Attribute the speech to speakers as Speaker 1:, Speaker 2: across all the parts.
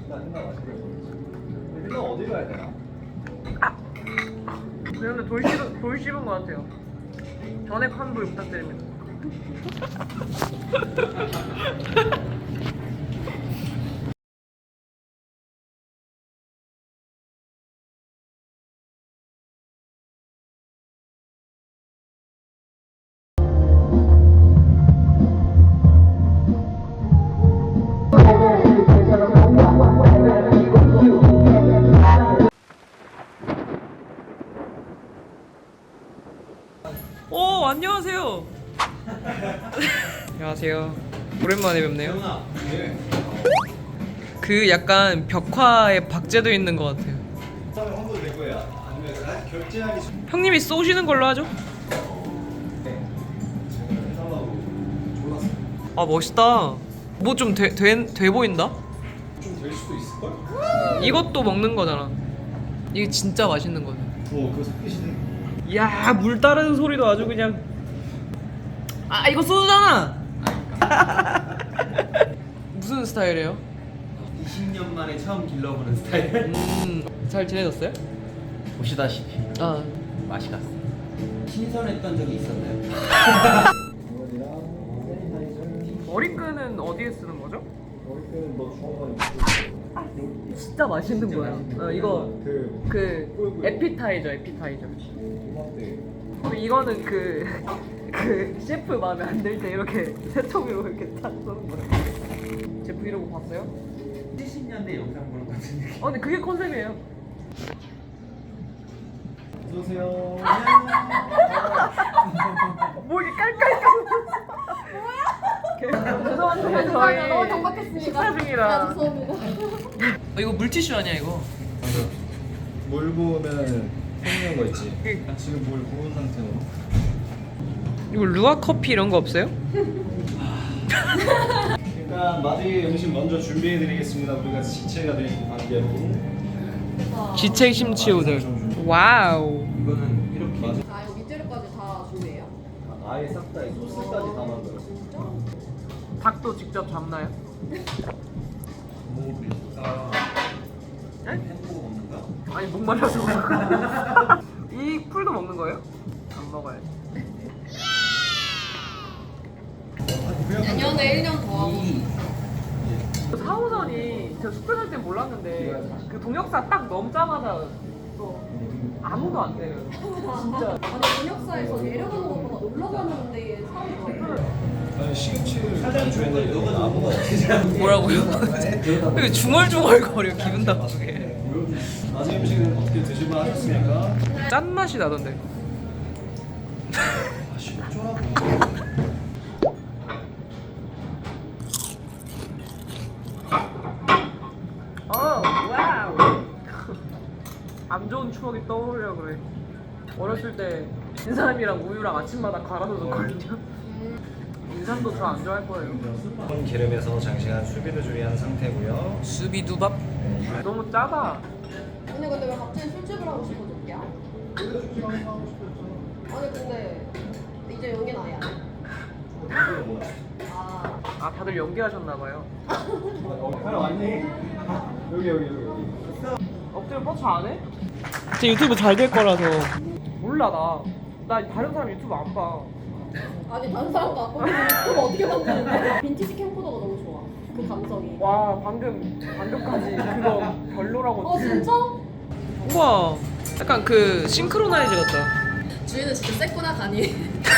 Speaker 1: 일단 힐러 마시고. 힐러 어디 가야 되나?
Speaker 2: 근데 돌 씹은 것 같아요. 전액 환불 부탁드립니다. 오, 안녕하세요. 안녕하세요. 오랜만에 뵙네요. 그 약간 벽화에 박제도 있는 것 같아요.
Speaker 1: 처음에 환불 될 거야. 아니면 결제하기 전.
Speaker 2: 형님이 쏘시는 걸로 하죠.
Speaker 1: 해달라고 졸랐어.
Speaker 2: 아, 멋있다. 뭐 좀 돼 보인다?
Speaker 1: 좀 될 수도 있을 걸?
Speaker 2: 이것도 먹는 거잖아. 이게 진짜 맛있는 거네.
Speaker 1: 그거 섞이시네.
Speaker 2: 이야, 물 따르는 소리도 아주 그냥. 아, 이거 소주잖아. 무슨 스타일이에요?
Speaker 3: 20년 만에 처음 길러보는 스타일.
Speaker 2: 잘 지내셨어요?
Speaker 3: 보시다시피
Speaker 2: 아,
Speaker 3: 맛이 갔어. 신선했던 적이 있었나요?
Speaker 1: 이거랑 세니타이저.
Speaker 2: 머리끈은 어디에 쓰는 거죠?
Speaker 1: 머리끈 너 주워가지고.
Speaker 2: 진짜 맛있는 거야. 이거
Speaker 1: 그
Speaker 2: 그 에피타이저.
Speaker 1: 토마토.
Speaker 2: 그리고 이거는 그 셰프 마음에 안 들 때 이렇게 세통으로 이렇게 딱 쏘는 거야. 제 브이로그 봤어요?
Speaker 3: 70년대 영상 보는 것 같은 느낌.
Speaker 2: 근데 그게 컨셉이에요.
Speaker 1: 어서오세요.
Speaker 2: 뭐 이게 깔깔깔. 뭐야? 죄송한데 저희
Speaker 4: 너무 경박했습니다.
Speaker 2: 식사 중이라.
Speaker 4: 죄송합니다.
Speaker 2: 이거 물티슈 아니야 이거?
Speaker 1: 물 부으면 생기는 거 있지.
Speaker 2: 그러니까.
Speaker 1: 지금 물 부은 상태로.
Speaker 2: 이거 루아 커피 이런 거 없어요?
Speaker 1: 일단 마지 음식 먼저 준비해드리겠습니다. 우리가 지체가 된 관계로.
Speaker 2: 지책 심치 오늘. 와우.
Speaker 3: 이거는 이렇게
Speaker 1: 맞아.
Speaker 4: 아, 이거 밑재료까지 다 준비해요?
Speaker 1: 아예 싹 다 소스까지 다 만들었어.
Speaker 4: 진짜?
Speaker 2: 닭도 직접 잡나요?
Speaker 3: 먹어보겠다.
Speaker 2: 네?
Speaker 3: 햄버거 먹는 거야?
Speaker 2: 아니 목말라서. 이 풀도 먹는 거예요? 안 먹어요.
Speaker 4: 내년에 1년 더 하고.
Speaker 2: 4호선이 제가 숙소 살 땐 몰랐는데 그 동역사 딱 넘자마자 또 아무도 안 내려요. 진짜.
Speaker 4: 아니, 번역사에서 내려가는 것보다 올라가는 데에 사람이 많아요.
Speaker 1: 아니 시금치를 사장 주인데 너가 아무도 없지.
Speaker 2: 뭐라고요? 되게 중얼중얼거려 기분 나쁘게.
Speaker 1: 마지 음식은 어떻게 드실만 하셨습니까?
Speaker 2: 짠맛이 나던데.
Speaker 1: 맛이 어쩌라고.
Speaker 2: 와우. 안 좋은 추억이 떠오르려 그래. 어렸을 때 인삼이랑 우유랑 아침마다 갈아서 줬거든요. 인삼도 저 안 좋아할 거예요.
Speaker 1: 기름에서 장시간 수비를 조리한 상태고요.
Speaker 2: 수비두밥? 너무 짜다.
Speaker 4: 언니, 근데 왜 갑자기 술집을 하고 싶어졌냐? 아니, 근데 이제 여긴 아예 안 해? 아,
Speaker 2: 아, 다들 연기하셨나봐요.
Speaker 1: 형 왔니? 여기.
Speaker 2: 엎드려 뻗쳐 안 해? 제 유튜브 잘 될 거라서. 몰라, 나 다른 사람 유튜브 안 봐.
Speaker 4: 아니, 다른 사람도 안 보는데 유튜브 어떻게 만드는데? 빈티지 캠코더가 너무 좋아. 그 감성이.
Speaker 2: 와, 방금까지 그거 별로라고.
Speaker 4: 진짜?
Speaker 2: 우와, 약간 그 싱크로나이즈 같다.
Speaker 4: 주인은 진짜 쎘구나, 간이.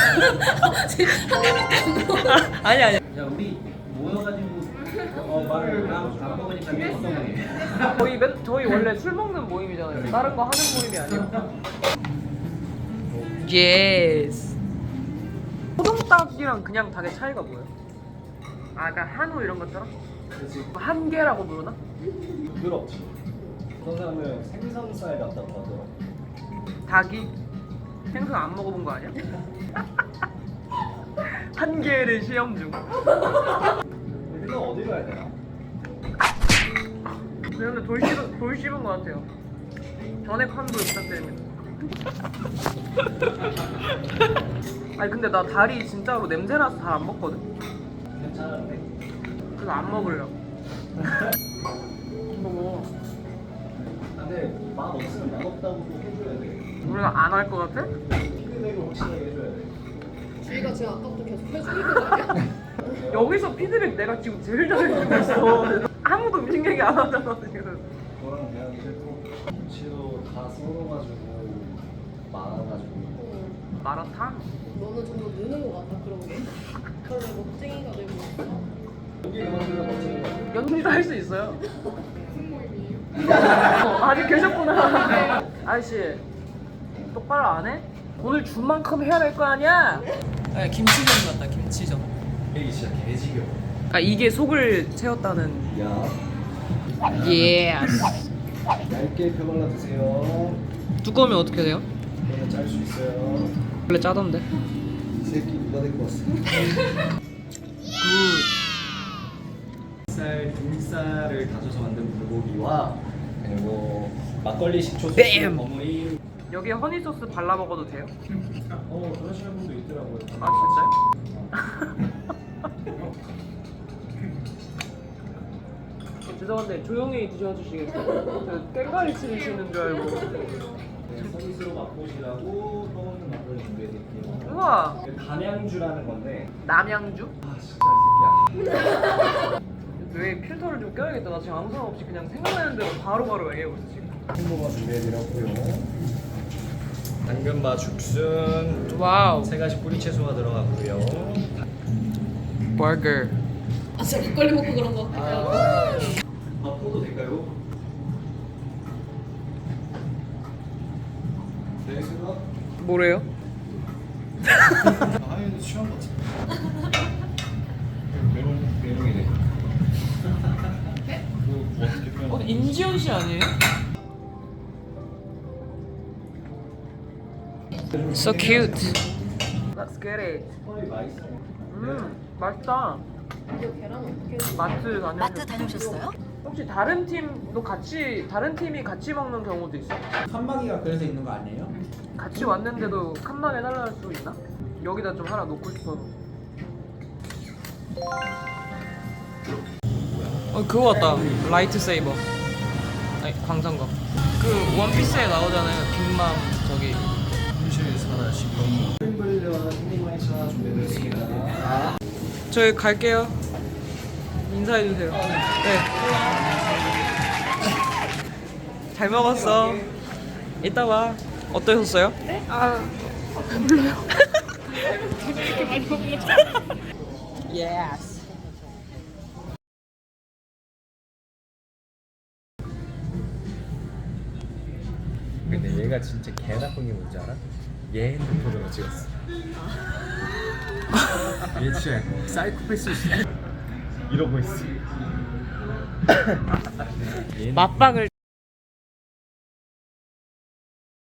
Speaker 4: 한 입밖에 안 먹어.
Speaker 2: 아니.
Speaker 3: 야 우리 모여가지고 말을 안 먹으니까 어떤 거예요?
Speaker 2: 저희 원래 술 먹는 모임이잖아요. 다른 거 하는 모임이 아니고. 예스. 호동닭이랑 그냥 닭의 차이가 뭐예요? 아, 그러니까 한우 이런 것처럼?
Speaker 1: 그렇지.
Speaker 2: 한계라고 부르나?
Speaker 1: 부드럽지. 어떤 사람은 생선살 같다고 하더라고.
Speaker 2: 닭이 생선 안 먹어본 거 아니야? 한계를 시험 중.
Speaker 1: 힐러 어디 가야 되나?
Speaker 2: 근데 돌 씹은 거 같아요. 전액 환불 부탁드립니다. 아니 근데 나 다리 진짜로 냄새나서 잘 안 먹거든.
Speaker 1: 괜찮은데?
Speaker 2: 그래서 안 먹으려고. 안 할 것 같아?
Speaker 1: 피드백을 확실하게 해줘야 돼.
Speaker 4: 주희가 지금 아까부터 계속 해주는 거 아니야?
Speaker 2: 여기서 피드백 내가 지금 제일 잘해주고 있어. 아무도 음식 얘기 안 하잖아 지금.
Speaker 1: 너랑 대하기 싫고 김치도 다 썰어가지고 말아가지고
Speaker 2: 마라탕?
Speaker 4: 너는 점점 느는 거 같다 그런 게. 원래 멋쟁이가 되고 있어.
Speaker 1: 고기 그만두면 멋지는 거 같아.
Speaker 2: 연기도 할 수 있어요.
Speaker 4: 무슨 모임이에요?
Speaker 2: 아직 계셨구나. 아저씨 똑바로 안 해? 오늘 준 만큼 해야 될 거 아니야?
Speaker 3: 김치전 같다 김치전.
Speaker 1: 이게 진짜 개지겨.
Speaker 2: 아 이게 속을 채웠다는.
Speaker 1: 야,
Speaker 2: 예스.
Speaker 1: 얇게 펴발라 드세요.
Speaker 2: 두꺼우면 어떻게 돼요?
Speaker 1: 그러면 짤 수 있어요.
Speaker 2: 원래 짜던데.
Speaker 1: 이 새끼 누가 데리고 왔어? 등살을 다져서 만든 불고기와 그리고 막걸리 식초 소스
Speaker 2: 뱀!
Speaker 1: 버무린.
Speaker 2: 여기에 허니 소스 발라 먹어도 돼요?
Speaker 1: 그러시는 분도 있더라고요.
Speaker 2: 아 진짜요? 죄송한데 조용히 드셔주시겠어요? 저 깽가리 치시는 줄 알고.
Speaker 1: 네, 서비스로 맛보시라고 떠먹는 막걸리 준비해드릴게요.
Speaker 2: 우와.
Speaker 1: 담양주라는 건데.
Speaker 2: 남양주?
Speaker 1: 아 진짜 이 새끼야.
Speaker 2: 왜 필터를 좀 껴야겠다. 나 지금 아무 생각 없이 그냥 생각나는 대로 바로바로 얘기하고 있어 지금.
Speaker 1: 햄버거 준비해드렸고요. 당근마 죽순,
Speaker 2: 와우.
Speaker 1: 세 가지 뿌리 채소가 들어갔고요.
Speaker 2: 버거.
Speaker 4: 아 진짜 막걸리 먹고 그런 거 같아요.
Speaker 1: 맛보도 될까요? 네, 생각.
Speaker 2: 뭐래요?
Speaker 1: 하이도 취한 것 같아. 메롱이네. 그 어떻게 표현?
Speaker 2: 임지연 씨 아니에요? So cute. Let's get it.
Speaker 1: 헐 맛있어.
Speaker 2: 맛있다.
Speaker 4: 이거 계란 어떻게?
Speaker 2: 마트 다녀오셨어요? 혹시 다른 팀이 같이 먹는 경우도 있어?
Speaker 3: 칸막이가 그래서 있는 거 아니에요?
Speaker 2: 같이 왔는데도 칸막이 해달라 할 수 있나? 여기다 좀 하나 놓고 싶어서. 그거 같다. 라이트 세이버. 아니 광선거. 그 원피스에 나오잖아요. 빅맘 저기.
Speaker 1: 현실에서 하나씩 크림블리와 흰마이차 준비해드렸습니다.
Speaker 2: 저희 갈게요. 인사해 주세요. 네. 잘 먹었어. 이따 봐. 어떠셨어요? 네? 몰라요. 이렇게 많이 먹었죠? 예스.
Speaker 1: 근데 얘가 진짜 개 나쁜 게 뭔지 알아? 얘 핸드폰으로 찍었어. 얘 진짜 사이코패스 이러고 있어.
Speaker 2: 맛박을